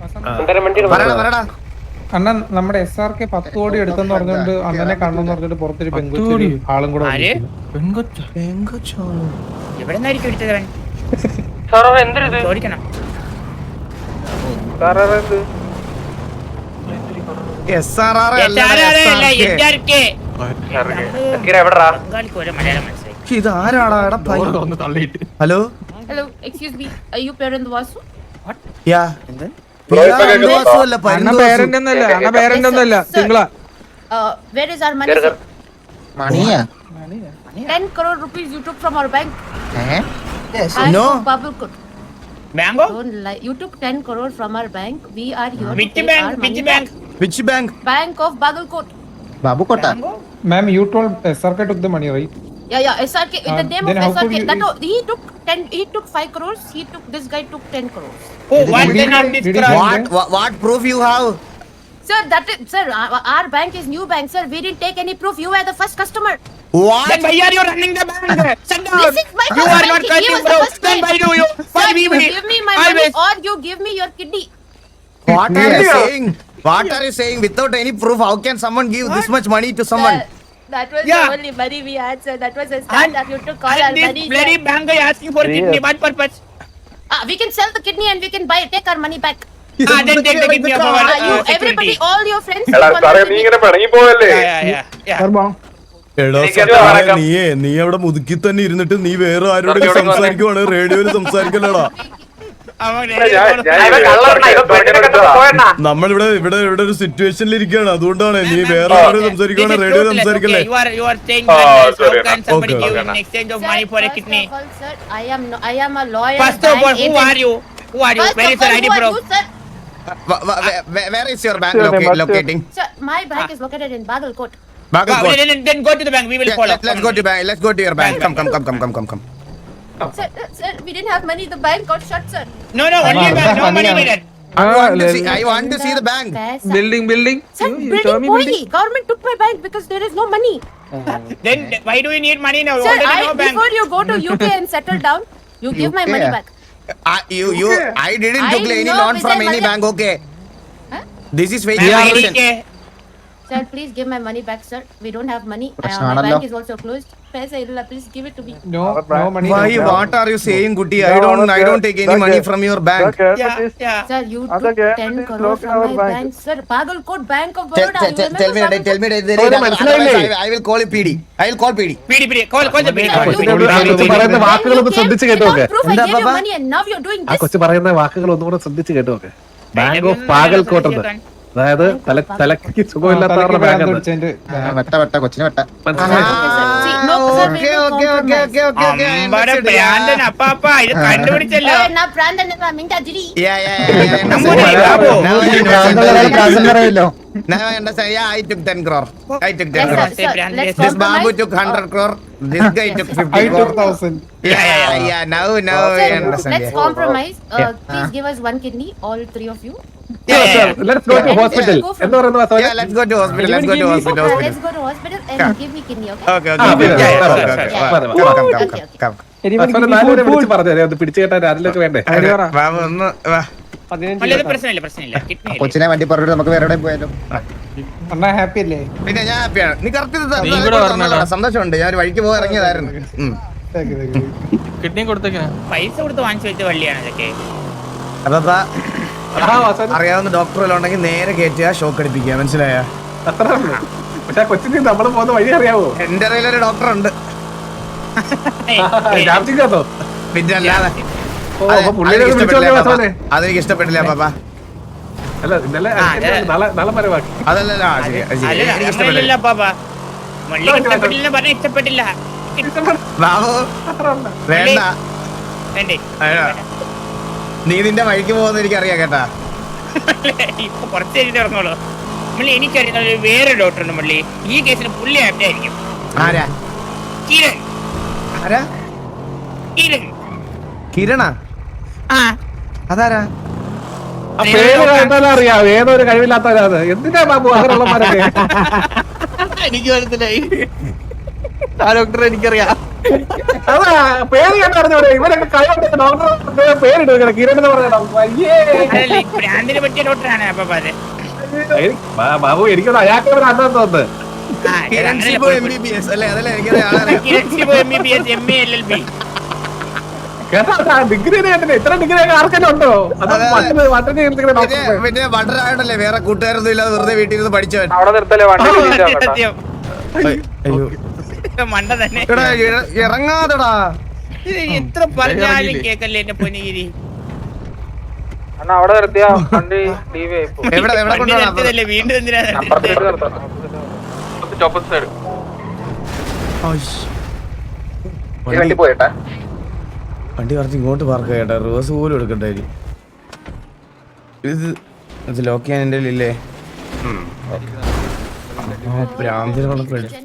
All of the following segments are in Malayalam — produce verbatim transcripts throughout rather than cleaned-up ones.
അണ്ണൻ നമ്മുടെ എസ് ആർ കെ പത്ത് കോടി എടുത്തെന്ന് പറഞ്ഞോണ്ട് അണ്ണനെ കാണണമെന്ന് പറഞ്ഞിട്ട് പുറത്തൊരു പെൺകൊച്ചു ആളും കൂടെ hello Hello, excuse me. Are you parent Vasu? What? Yeah. Where is our money? Money? Ten crore rupees you took from our bank. Eh? Yes. No. Bango? Don't lie. You took ten crore from our bank. We are here. Which bank? Which bank? Which bank? Bank of Bagalkot. Babukota. Ma'am, you told S R K took the money, right? Yeah, yeah. S R K. In the name uh, of S R K. That was, he took ten. He took five crores. He took. This guy took ten crores. Oh, what then of this crime? What, what? What proof you have? Sir, that is, sir. Our, our bank is new bank, sir. We didn't take any proof. You were the first customer. What? Then why are you running the bank? Shut down. This is my You first are not bank. He cutting was the bro. first Then bank. why do you? Why Sir, we you give me my Always. money or you give me your kidney. What are you saying? What are you saying? Without any proof, how can someone give this much money to someone? Sir, that was Yeah. the only money we had, sir. That was a stand up. You took all our And this money. bloody Sir. bank is asking for kidney. What purpose? Ah, we can sell the kidney and we can buy take our money back. Ah, then take the kidney of our Ah, you, uh, everybody, security. all your friends. എടാ take on സാറേ the നീ kidney. ഇങ്ങനെ പിണങ്ങി പോവല്ലേ Yeah, yeah, yeah. yeah. എടാ സത്യം നീയേ നീ അവിടെ മുതുക്കി തന്നെ ഇരുന്നിട്ട് നീ വേറെ ആരോടെങ്കിലും സംസാരിക്കുവാണ് റേഡിയോയിൽ സംസാരിക്കലടാ. നമ്മളിവിടെ ഇവിടെ ഇവിടെ ഒരു സിറ്റുവേഷനിൽ ഇരിക്കുകയാണ്, അതുകൊണ്ടാണ് നീ വേറെ ആരോട് സംസാരിക്കുവാണ് റേഡിയോയിൽ സംസാരിക്കല്ലേ. You are you are saying that how can somebody give in exchange of money for a kidney? First of all, sir, I am no, I am a lawyer. First of all, who are you? Who are you? First Where of is your all, I D who are proof? you, sir? Wh- wh- wh- Where is your bank loca- locating? Sir, my bank is located in Bagalkot. Wow, Bagalkot. then, then go to the bank. We will Yeah, follow. let, let's go to bank. Let's go to your bank. Come, come, come, come, come, come, come. Sir, uh, sir, we didn't have money. The bank got shut, sir. No, no, only Ah, bank. No money, money ah. needed. I want to see. I want to see the bank. Paisa. Building, building. Sir, building boy. Government took my bank because there is no money. Then why do you need money now? Sir, Already I, no bank. before you go to U K and settle down, you give my U K? money back. I, you, you, I didn't I took any know loan from Vijay any Mallya- bank. Okay. Huh? This is fake Ma'am, information. I D K. Sir, please give my money back, sir. We don't have money. Uh, my പ്രശ്നമാണല്ലോ. bank is also closed. Paisa illa, please give it to me. No, no money. Why? no. What are you saying, Gutti? I don't. I don't take any money from your bank. Yeah, yeah. Sir, you took ten crore from my bank. Sir, Bagalkot Bank of Tell, Baroda. tell, You tell, tell me. remember Tell me. Bagalkot? Tell me. Otherwise, I, I will call P D. I will call P D. P D, P D. Call, call the P D. Sir, Call you- P D. you- പറയുന്ന Then വാക്കുകളൊന്ന് you ശ്രദ്ധിച്ച് came കേട്ടോക്കെ. without proof. I എന്താ gave you പാപ്പ? money and now you're doing ആ this. കൊച്ചു പറയുന്ന വാക്കുകൾ ഒന്നുകൂടെ ശ്രദ്ധിച്ച് കേട്ടോക്കെ. ബാങ്ക് ഓഫ് പാഗൽകോട്ട് ഉണ്ട്, അതായത് തല തലക്ക് സുഖമില്ലാത്തവരുടെ ബാങ്ക് ഉണ്ട്. വെട്ട വെട്ട കൊച്ചിനെ വെട്ട. Okay, sir. See, no, sir, we will Okay, okay, okay, okay, okay, okay. I അമ്പടെ understood. ഭ്രാന്തൻ അപ്പാപ്പ ഇത് കണ്ടുപിടിച്ചല്ലോ. Eh, na Brandon na minta jiri. Yeah, yeah, yeah, yeah. I നമ്മുടെ understand. Babu. Now I understand. Now I understand. Yeah, I took ten crore. I took ten Yes, crore. sir, sir. Let's This Babu compromise. took hundred crore. This guy took fifty I took crore. thousand. Yeah, yeah, yeah. Now, now I Sir, understand. let's Yeah. compromise. Uh, please give us one kidney, all three of you. Sir, sir, let's go to Yeah. hospital. Let's go from- എന്ന് പറയുന്ന Vasavan. Yeah, let's go to hospital. Let's go to hospital. Uh, hospital. let's go to hospital and Yeah. give me kidney, okay? Okay, Ah, okay. yeah, Yeah, yeah, yeah, yeah, okay, yeah, okay. yeah. Come, come, Okay, come, okay. come. വാസവനെ നാലുപേരെ വിളിച്ച് പറഞ്ഞു അത് പിടിച്ചു കേട്ടാൽ ആരിലൊക്കെ വേണ്ടേ. ബാബു ഒന്ന് വാ. വല്ലത് പ്രശ്നമില്ല പ്രശ്നമില്ല കിഡ്നി കൊച്ചിനെ വണ്ടി പറഞ്ഞിട്ട് നമുക്ക് വേറെ എവിടെയും പോയാലോ. അണ്ണാ ഹാപ്പി അല്ലേ? പിന്നെ ഞാൻ ഹാപ്പിയാണ്. നീ കറക്റ്റ് വരണോടാ. സന്തോഷമുണ്ട്. ഞാൻ ഒരു വഴിക്ക് പോയി ഇറങ്ങിയതായിരുന്നു. ഉം. കിഡ്നി കൊടുത്തേക്കാ പൈസ കൊടുത്ത് വാങ്ങിച്ചു വെച്ച വള്ളിയാണ് ഇതൊക്കെ. അതാ ആ വാസവൻ അറിയാവുന്ന ഡോക്ടർ വല്ലതും ഉണ്ടെങ്കിൽ നേരെ കയറ്റുക, ഷോക്ക് അടിപ്പിക്കുക. മനസ്സിലായ? അത്ര ഉള്ളൂ. പക്ഷെ ആ കൊച്ചിന് നമ്മൾ പോകുന്ന വഴി അറിയാവോ? എന്റെ അറിയിൽ ഒരു ഡോക്ടർ ഉണ്ട്. ജാംസിംഗോ? പിന്നെ അല്ലാതെ ഓ അപ്പൊ പുള്ളിനെ ഒന്ന് വിളിച്ചു നോക്കിയ വാസവനെ. അതെനിക്ക് ഇഷ്ടപ്പെട്ടില്ല പാപ്പ. അല്ല ഇന്നലെ ആ, അതെ. നാളെ നാളെ പരമാക്കി. അതല്ലല്ലോ ആ, ശരി, അത് ശരി. അല്ല എനിക്ക് ഇഷ്ടപ്പെട്ടില്ല. അങ്ങനെയല്ല പാപ്പ. മള്ളി ഇഷ്ടപ്പെട്ടില്ല പറഞ്ഞ ഇഷ്ടപ്പെട്ടില്ല. ബാബു വേണ്ട. വേണ്ടേ അയ്യോ. നീ നിന്റെ വഴിക്ക് പോകുന്ന എനിക്ക് അറിയാം കേട്ടാ. ഇപ്പൊ കുറച്ച് കഴിഞ്ഞിട്ട് ഇറങ്ങോളൂ. മള്ളി എനിക്കറിയുന്ന ഒരു വേറെ ഡോക്ടർ ഉണ്ട് മള്ളി. ഈ കേസിന് പുള്ളി ആപ്റ്റ് ആയിരിക്കും. ആരാ? കിരൺ. ആരാ? കിരൺ. കിരണ? ആ അതാരാ? ആ പേര് കേട്ടാലും അറിയാം ഏതൊരു കഴിവില്ലാത്തവരാണ്. എന്തിനാ ബാബു അങ്ങനെയുള്ളമാരൊക്കെ? എനിക്ക് മനസ്സിലായി. ആ ഡോക്ടറെ എനിക്കറിയാം. അതാ പേര് കേട്ടറിഞ്ഞൂടെ ഇവരൊക്കെ കൈകൊണ്ട് ഡോക്ടർ പേരിട്ട് കിരൺ എന്ന് പറഞ്ഞ ഡോക്ടർ. അയ്യേ അതല്ല, ഈ ഭ്രാന്തിന് പറ്റിയ ഡോക്ടറാണ് അപ്പൊ അത്. ബാബു എനിക്കൊന്ന് അയാൾക്ക് ഒരു അന്നം തോന്നുന്നത്. ആ, കിരൺ അങ്ങനെ Shibu M B B S അല്ലേ? അതല്ലേ എനിക്കറിയാം, ആളറിയാം. Kiran Shibu M B B S M A L L B. കേട്ടാ ഡിഗ്രി കേട്ടില്ല. ഇത്ര ഡിഗ്രി ആർക്കെല്ലാം ഉണ്ടോ? അത് അതെ, അതെ. മറ്റൊരു മറ്റൊരു പിന്നെ ഡോക്ടർ പിന്നെ ബട്ടറായോണ്ടല്ലേ വേറെ കൂട്ടുകാരൊന്നും ഇല്ലാതെ വെറുതെ വീട്ടിൽ ഇരുന്ന് പഠിച്ചവൻ. സത്യം. അയ്യോ മണ്ട തന്നെ. എടാ ഇറ- ഇറങ്ങാതെടാ. ഇത് എത്ര പറഞ്ഞാലും കേക്കല്ലേ എന്റെ പൊന്നിഗിരി. എവിടെ എവിടെ കൊണ്ടുപോകണം? നിർത്തിയതല്ലേ, വീണ്ടും എന്തിനാ നിർത്തിയത്? വണ്ടി വണ്ടി കുറച്ച് ഇങ്ങോട്ട് പാർക്ക് ചെയ്യട്ടെ. റിവേഴ്സ് പോലും എടുക്കട്ടെ. ഇത് ഇത് ലോക്ക് ചെയ്യാൻ എൻ്റെ ഇല്ലേ? ഭ്രാന്തിനുള്ള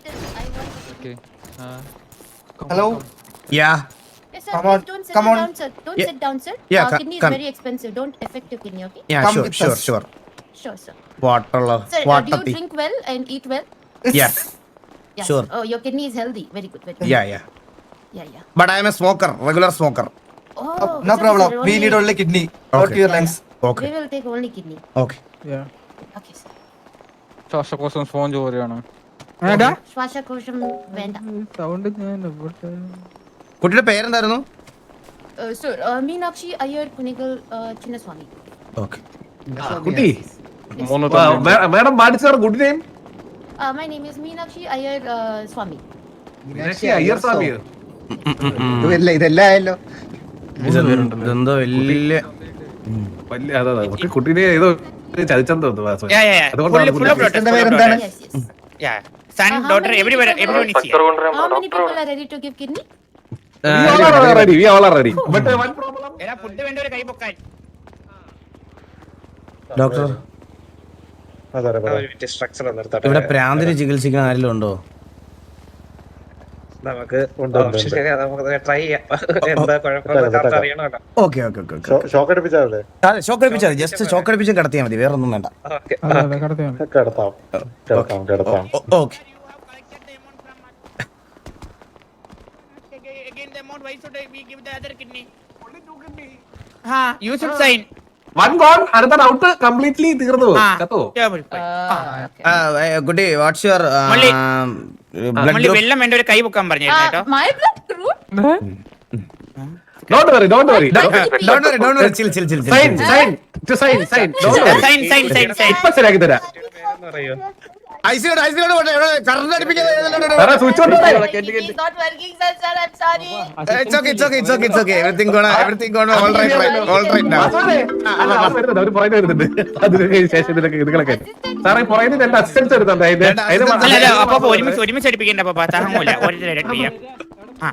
Hello. Yeah Yes, sir. Please don't sit down, sir. Don't Yeah. sit down, sir. Yeah, Uh, co- kidney is come. very expensive. Don't affect your kidney, okay? Yeah sure sure sure Sure, sir. വാട്ടറുള്ള Sir, uh, do you വാട്ടത്തി drink well and eat well? Yeah Yeah. Sure. Oh, your kidney is healthy. Very good. Very good. Yeah yeah Yeah, yeah. But I'm a smoker, regular smoker. Oh, No sir, problem. sir, We need only kidney, not Okay. your lungs. Okay We will take only kidney. Okay Okay, sir. ശ്വാസകോശം ഫോൺ ജോലിയാണ്. ശ്വാസകോശം വേണ്ട. സൗണ്ട് ഞാൻ ഇവിടെ കുട്ടിയുടെ പേരെന്തായിരുന്നു? Uh, sir, uh, Meenakshi Iyer Kunigal uh, Chinnaswamy. Okay കുട്ടി മൂന്ന് മാഡം പാടിച്ചാർ good name Uh, my name is Meenakshi Iyer uh, Swamy. Iyer Swamy. ഇതെല്ലാം ആയല്ലോ. ഇതെന്തോ വലിയ വലിയ അതാ കുട്ടി കുട്ടീനെ ഏതോ ചതിച്ചെന്ന് തോന്നുന്നു വാസു. Yeah, yeah, yeah. അതുകൊണ്ടാണ് Full- full of blood, എന്റെ full of പേരെന്താണ്? blood. Yes, yes. Yeah. Son, Uh, how daughter, many everyone, people- everyone is here. How many people are ready to give kidney? We all are ready, we all are ready. But uh, one problem. എടാ, food വേണ്ടവരെ കൈ പൊക്കാൻ. ഡോക്ടർ ഇവിടെ പ്രാന്തിന് ചികിത്സിക്കാൻ ആരെങ്കിലും ഉണ്ടോ? നമുക്ക് ട്രൈ ചെയ്യാം. എന്താ കുഴപ്പമില്ല അറിയണമല്ലോ. ഓക്കെ ഓക്കെ ഓക്കെ ഷോക്ക് അടിപ്പിച്ചാൽ ജസ്റ്റ് ഷോക്ക് അടിപ്പിച്ചും കിടത്തിയാൽ മതി, വേറെ ഒന്നും വേണ്ട. Okay okay Again, the amount, why should I we give the other kidney? Ha, you should sign. One gone, another out, completely തീർന്നു. Ha. കത്തോ? Yeah, but fine. Uh, കുട്ടി വാട്ട്സ് യുവർ മള്ളി. ബ്ലഡ് മള്ളി വെള്ളം വേണ്ട ഒരു കൈ പൊക്കാൻ പറഞ്ഞിരുന്നു uh, കേട്ടോ. my blood group? Don't worry, don't worry. Don't worry don't worry chill chill chill Sign, sign, to sign, sign. Don't worry. Sign, sign, sign, sign. ഇപ്പൊ ശരിയാക്കി തരാം. അറിയോ ഐസിയോട് ഐസിയോട് കറണ്ട് അടിപ്പിക്കാതെ വേറെ switch on ഇട്ടേ. My kidney is not working, sir. Sir, I'm sorry. It's okay, it's okay, it's okay, it's okay. Everything gonna, everything gonna all right, right, all right now. സാറേ, അല്ല, അവര് വരുന്നുണ്ട്, അവര് പുറകിൽ വരുന്നുണ്ട്. അതിന് ശേഷം ഇതിലൊക്കെ ഇതുകളൊക്കെ. സാറേ, പുറകിൽ നിന്ന് രണ്ട് assistants വരുന്നുണ്ട്. അതിന്റെ- അതിന്റെ രണ്ട് അല്ല, അല്ല, അപ്പൊ അപ്പൊ ഒരുമിച്ച് ഒരുമിച്ച് അടിപ്പിക്കണ്ട അപ്പൊ താങ്ങൂല. ഒരിടത്ത് ചെയ്യാം. ആ,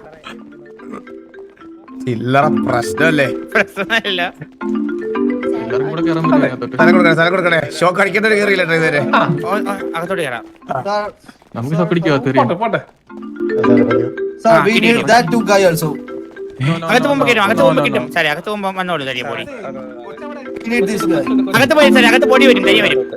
ചില്ലറ പ്രശ്നമല്ലേ? പ്രശ്നമല്ല. എല്ലാവരും കൂടെ കയറാൻ പറ്റില്ല അതിനകത്തോട്ട്. സ്ഥലം കൊടുക്കണേ, സ്ഥലം കൊടുക്കണേ. ഷോക്ക് അടിക്കേണ്ടത് കയറിയില്ല ഇതുവരെ. ഓ, ഓ, അകത്തോട്ട് കയറാം. നമുക്ക് സപ്പിടിക്കാ പോട്ടെ, പോട്ടെ. Sir, Ah, we kidney. need that two guy also. അകത്ത് പോകുമ്പോ കിട്ടും, അകത്ത് പോകുമ്പോ കിട്ടും. സാറേ, അകത്ത് പോകുമ്പോ വന്നോളൂ തരിയ പൊടി. We need this guy. അകത്ത് പോയി സാറേ, അകത്ത് പൊടി വരും, തരിയ വരും.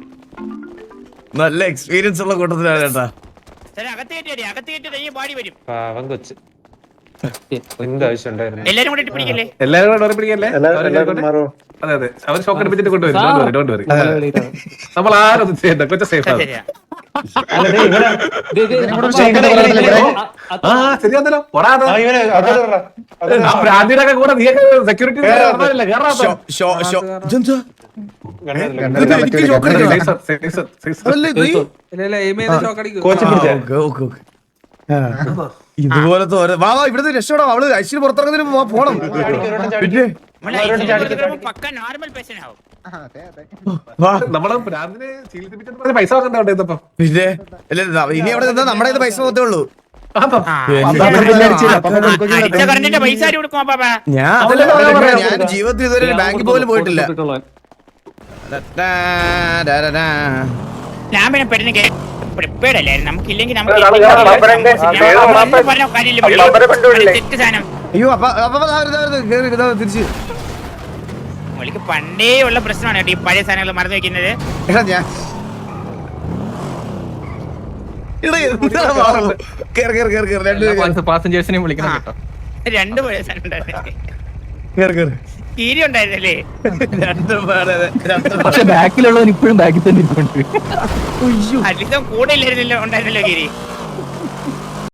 നല്ല എക്സ്പീരിയൻസ് ഉള്ള കൂട്ടത്തിലാണ് കേട്ടാ. സാറേ, അകത്ത് കയറ്റി വരും, അകത്ത് കയറ്റി തരിയ പാടി വരും. പാവം കൊച്ച് എന്ത് ആവശ്യം ഉണ്ടായിരുന്നു. എല്ലാരും കൂടെ ഇട്ട് പിടിക്കല്ലേ? എല്ലാവരും കൂടെ ഡോറി പിടിക്കല്ലേ? അവര് കേൾക്കട്ടെ? അതെ, അതെ. അവര് ഷോക്ക് അടിപ്പിച്ചിട്ട് കൊണ്ടുവരും. Don't worry, don't worry. നമ്മൾ ആരും ഒന്നും ചെയ്യണ്ട, കൊച്ച സേഫ് ആണ്. ശരിയാ. ആ ശരിയാന്നല്ലോ. ഭ്രാന്തിയുടെ ഒക്കെ കൂടെ നീയൊക്കെ സെക്യൂരിറ്റി ഷോ- ഷോ- ഷോ- ഇതെന്താ? ഇത് എനിക്ക് ഷോക്ക് അടിക്കണം. അതല്ലേ ഇത്? ഇല്ല ഇല്ല എയിം ചെയ്ത് ഷോക്ക് അടിക്കും. ആ, ഓക്കെ, ഓക്കെ, ഓക്കെ. ആ, ഇതുപോലത്തെ ഓരോ വാ വാ ഇവിടുന്ന് രക്ഷപ്പെടാം. അവള് ഐശ്വര്യ പുറത്തിറങ്ങുന്നതിന് മുമ്പ് വാ, പോണം. പിന്നെ നമ്മളെ ഐസിയുവിൽ കിടക്കുമ്പോ പക്ക നോർമൽ പേഷ്യന്റ് ആവും. വാ നമ്മള് ഭ്രാന്തിനെ ചികിത്സിപ്പിച്ചിട്ട് പൈസ വെക്കണ്ടേ ഇതപ്പം? പിന്നെ ഇല്ല, ഇനി അവിടെ നിന്നാ നമ്മുടെ ഇത് പൈസ പോകത്തേ ഉള്ളൂ. ആ, അടിച്ച കറണ്ടിന്റെ പൈസ ആര് കൊടുക്കും അപ്പാ? ഞാൻ അതല്ലേ പറയാൻ ഞാൻ പറയാം. ജീവിതത്തിൽ ഇതുവരെ ബാങ്കിൽ പോലും പോയിട്ടില്ല. ഞാൻ പിന്നെ പെട്ടെന്ന് പ്രിപ്പയർഡ് അല്ലായിരുന്നു. നമുക്കില്ലെങ്കിൽ നമുക്ക് പറഞ്ഞ കാര്യമില്ല. തെറ്റ് സാധനം അയ്യോ അപ്പൊ അപ്പൊ ദാ വരുന്നു, ദാ വരുന്നു. കേറി, ഇതാ തിരിച്ച്. നമ്മൾക്ക് പണ്ടേ ഉള്ള പ്രശ്നമാണ് കേട്ടോ ഈ പഴയ സാധനങ്ങൾ മറന്നു വെക്കുന്നത്. എടാ ഞാൻ ഇവിടെ എന്താ ബാബു? കേറ് കേറ് കേറ് കേറ് രണ്ട് പാസഞ്ചേഴ്സിനെയും വിളിക്കണം കേട്ടോ. രണ്ട് പേഴ്സൺ ഉണ്ടായിരുന്നല്ലേ, കേറ് കേറ് കീരി ഉണ്ടായിരുന്നല്ലേ? രണ്ട് പേരെ രണ്ട് പക്ഷെ ബാക്കിലുള്ളവൻ ഇപ്പോഴും ബാക്കിൽ തന്നെ ഇരിപ്പുണ്ട്. അല്ലിതം കൂടെ ഇല്ലായിരുന്നല്ലോ, ഉണ്ടായിരുന്നല്ലോ കീരി.